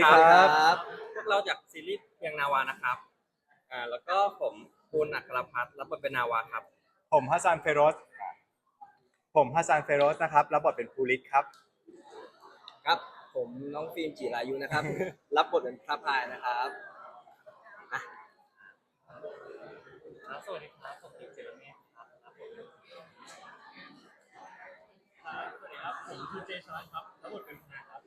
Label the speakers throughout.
Speaker 1: ครับ
Speaker 2: พวกเราจากซีรีส์เพียงนาวานะครับแล้วก็ผมปูนอัครพัฒน์รับบทเป็นนาวาครับ
Speaker 1: ผมฮัสซันเฟโรสนะครับรับบทเป็นภูริศครับ
Speaker 3: ครับผมน้องฟิล์มจิรายุนะครับรับบทเป็นพระพายนะครับอ่ะ
Speaker 4: สวัสดีครับผมติ๊กเจริญเมธครับรับบทเป็นสวัสดีครับผมคือเจชอนครับรับบทเป็นพนาครับ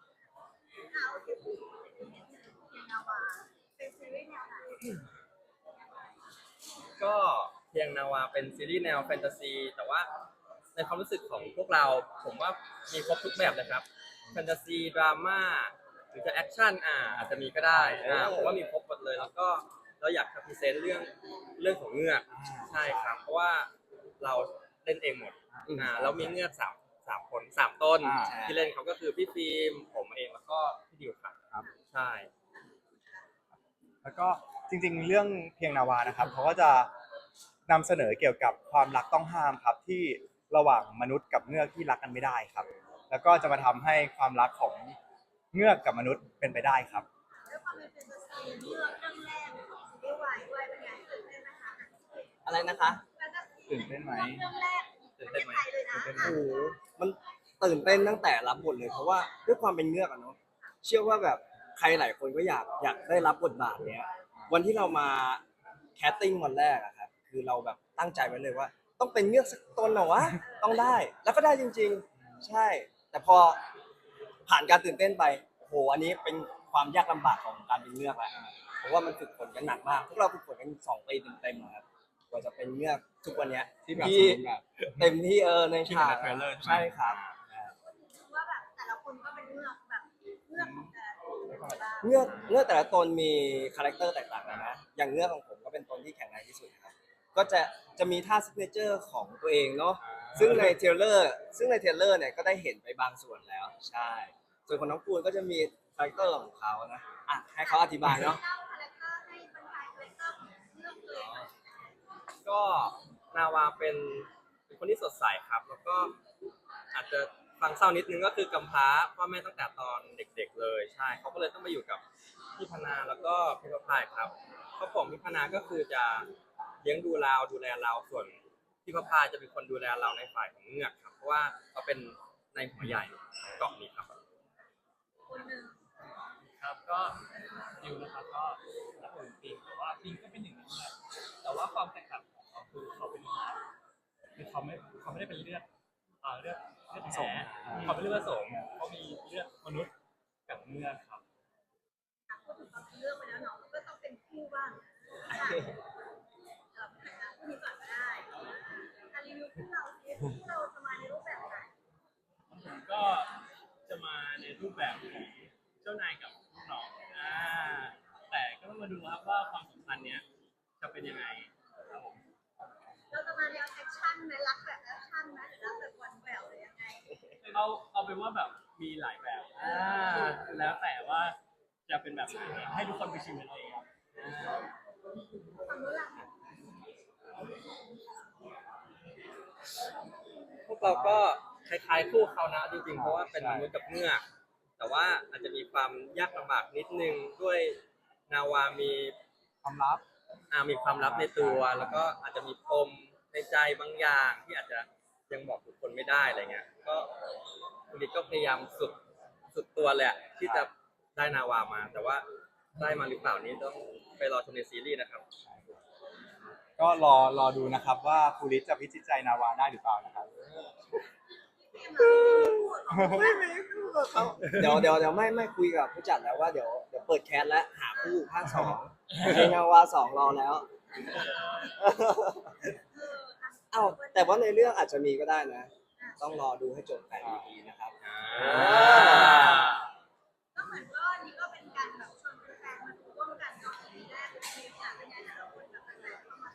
Speaker 2: ก็เพียงนาวาเป็นซีรีส์แนวแฟนตาซีแต่ว่าในความรู้สึกของพวกเราผมว่ามีครบทุกแบบเลยครับแฟนตาซีดราม่าหรือจะแอคชั่นอาจจะมีก็ได้ผมว่ามีครบหมดเลยแล้วก็เราอยากจะพรีเซนต์เรื่องของเงือกใช่ครับเพราะว่าเราเล่นเองหมดเรามีเงือกสามคน3 ต้นที่เล่นเขาก็คือพี่ฟิล์มผมเองแล้วก็พี่ดิวครับใช่
Speaker 1: แล้วก็จริงๆเรื่องเพียงนาวานะครับเขาก็จะนำเสนอเกี่ยวกับความรักต้องห้ามครับที่ระหว่างมนุษย์กับเงือกที่รักกันไม่ได้ครับแล้วก็จะมาทำให้ความรักของเงือกกับมนุษย์เป็นไปได้ครับ
Speaker 5: ด้วยความเป็นแฟนตาซีเรื่องแรกของซีรีส์วายด้วยเป็นไงตื่นเต้นไหมคะ
Speaker 3: อะไรนะคะ
Speaker 5: แฟนตาซี
Speaker 1: ตื่นเต้นไหม
Speaker 5: เรื่องแรกประเทศไทยเลยนะ
Speaker 3: โอ้โหมันตื่นเต้นตั้งแต่รับบทเลยเพราะว่าด้วยความเป็นเงือกอะเนาะเชื่อว่าแบบใครหลายคนก็อยากได้รับบทบาทเนี้ยวันที่เรามาแคสติ้งวันแรกอะครับคือเราแบบตั้งใจไว้เลยว่า ต้องเป็นเงือกสักตนเหรอวะต้องได้แล้วก็ได้จริงๆใช่แต่พอผ่านการตื่นเต้นไปโอ้โหอันนี้เป็นความยากลำบากของการเป็นเงือกแหละเพราะว่ามันฝึกฝนกันหนักมากพวกเราฝึกฝนกัน2 ปีเต็มๆครับกว่าจะเป็นเงือกทุกวันเนี้ย
Speaker 1: ที่แบบ
Speaker 3: เต็มที่ในฉาก
Speaker 2: ที่เห็นในเทรลเลอร์ใช่ไหม
Speaker 3: ใช่ครับ
Speaker 5: ว่าแบบแต่ละคนก็เป็นเงือกแบบเงือกของแต่ละ
Speaker 3: เงือกแต่ละตนมีคาแรคเตอร์แตกต่างกันนะอย่างเงือกของผมก็เป็นตนที่แข็งแรงที่สุดครับก็จะมีท่าซิกเนเจอร์ของตัวเองเนาะซึ่งในเทรลเลอร์เนี่ยก็ได้เห็นไปบางส่วนแล้วใช่ส่วนของน้องปูนก็จะมีคาแรคเตอร์ของเขานะอ่ะให้เขาอธิบายเนาะ
Speaker 5: เล่าคาแรคเตอร์ให้บรรยายคาแรคเตอร์ของเงือกเลย
Speaker 2: ก็นาวาเป็นคนที่สดใสครับ แล้วก็อาจจะฟังเศร้านิดนึงก็คือกำพร้าพ่อแม่ตั้งแต่ตอนเด็กๆเลยใช่เขาก็เลยต้องมาอยู่กับพี่พนาแล้วก็พี่ประภายครับครอบครัวของพี่พนาก็คือจะเลี้ยงดูเราดูแลเราส่วนพี่ประภายจะเป็นคนดูแลเราในฝ่ายของเงือกครับเพราะว่าเขาเป็นในหัวใหญ่ของเกาะนี้ครับ
Speaker 5: คนหนึ่ง
Speaker 4: ครับก็ดิวนะครับก็รับบทเป็นปิงแต่ว่าปิงก็เป็นหนึ่งในเลือดแต่ว่าความแตกต่างของเขาคือเขาเป็นคือเขาไม่ได้เป็นเลือดเลือดแท้เขาเป็นเลือดผสมเขามีเลือดมนุษย์กับเลือดครับ
Speaker 5: พูดถึงความเป็นเรื่องไปแล้วเนาะก็ต้องเป็นคู่บ้างคู่นี้ก่อนก็ได้รีวิวคู่เราสิคู่เราจะมาในรูปแบบไหน
Speaker 4: ผมก็จะมาในรูปแบบของเจ้านายกับลูกน้องแต่ก็ต้องมาดูครับว่าความสัมพันธ์เนี้ยจะเป็นยังไงครับผม
Speaker 5: เราจะมาแนวแอคชั่นไหมรักแบบแอคชั่นไหมหรือรักแบบวันแหววหรือยังไง
Speaker 4: เอาเป็นว่าแบบมีหลายแบบแล้วแต่ว่าจะเป็นแบบไหนให้ทุกคนไปชิมกันเองครับ
Speaker 5: ความรู้หลัก
Speaker 2: พวกเราก็คล้ายๆคู่เขานะจริงๆเพราะว่าเป็นมนุษย์กับเงือกแต่ว่าอาจจะมีความยากลำบากนิดนึงด้วยนาวามี
Speaker 1: ความลับ
Speaker 2: มีความลับในตัวแล้วก็อาจจะมีปมในใจบางอย่างที่อาจจะยังบอกทุกคนไม่ได้อะไรเงี้ยก็คุณดิษก็พยายามสุดตัวแหละที่จะได้นาวามาแต่ว่าได้มาหรือเปล่านี้ต้องไปรอชมในซีรีส์นะครับ
Speaker 1: ก็รอดูนะครับว่าภูริศจะพิจิตใจนาวาได้หรือเปล่านะครับ
Speaker 3: เดี๋ยวไม่คุยกับผู้จัดแล้วว่าเดี๋ยวเปิดแคสแล้วหาคู่ภาค 2เพลงนาวา2รอแล้วเอ้าแต่ว่าในเรื่องอาจจะมีก็ได้นะต้องรอดูให้จบ8 EP นะครับ
Speaker 5: ก็เหมือนว่านี่ก็เป็นการแบบชวนแฟนมาดูร่วมกันเนาะทีแรกมีอยากเป็นไงแต่ละคนแบบแฟนเข้ามา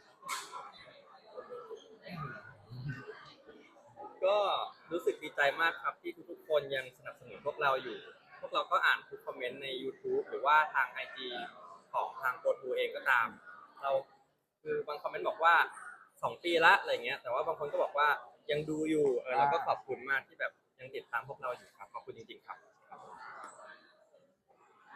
Speaker 2: ก็รู้สึกดีใจมากครับที่ทุกๆคนยังสนับสนุนพวกเราอยู่ พวกเราก็อ่านทุกคอมเมนต์ใน YouTube หรือว่าทาง IG ของทางโกทูเองก็ตาม เราคือบางคอมเมนต์บอกว่า2 ปีละอะไรเงี้ยแต่ว่าบางคนก็บอกว่ายังดูอยู่เราก็ขอบคุณมากที่แบบยังติดตามพวกเราอยู่ครับขอบคุณจริงๆครับ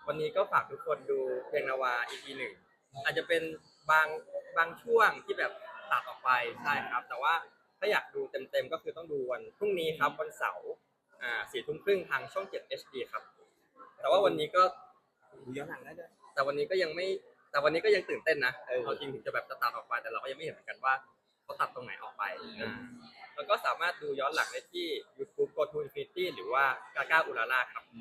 Speaker 2: วันนี้ก็ฝากทุกคนดูเพลงนาวา EP หนึ่งอาจจะเป็นบางบางช่วงที่แบบตัดออกไปใช่ครับ แต่ว่าถ้าอยากดูเต็มๆก็คือต้องดูวันพรุ่งนี้ครับวันเสาร์4 ทุ่มครึ่งทางช่อง 7 HD ครับ แต่ว่าวันนี้ก็
Speaker 3: ดูย้อนหลังได้ด้วย
Speaker 2: แต่วันนี้ก็ยังไม่แต่วันนี้ก็ยังตื่นเต้นนะเอาจริงถึงจะแบบจะตัดออกไปแต่เราก็ยังไม่เห็นเหมือนกันว่าเขาตัดตรงไหนออกไปแล้วก็สามารถดูย้อนหลังได้ที่ YouTube Go to Infinity หรือว่ากาก้าอุลาล่าครับ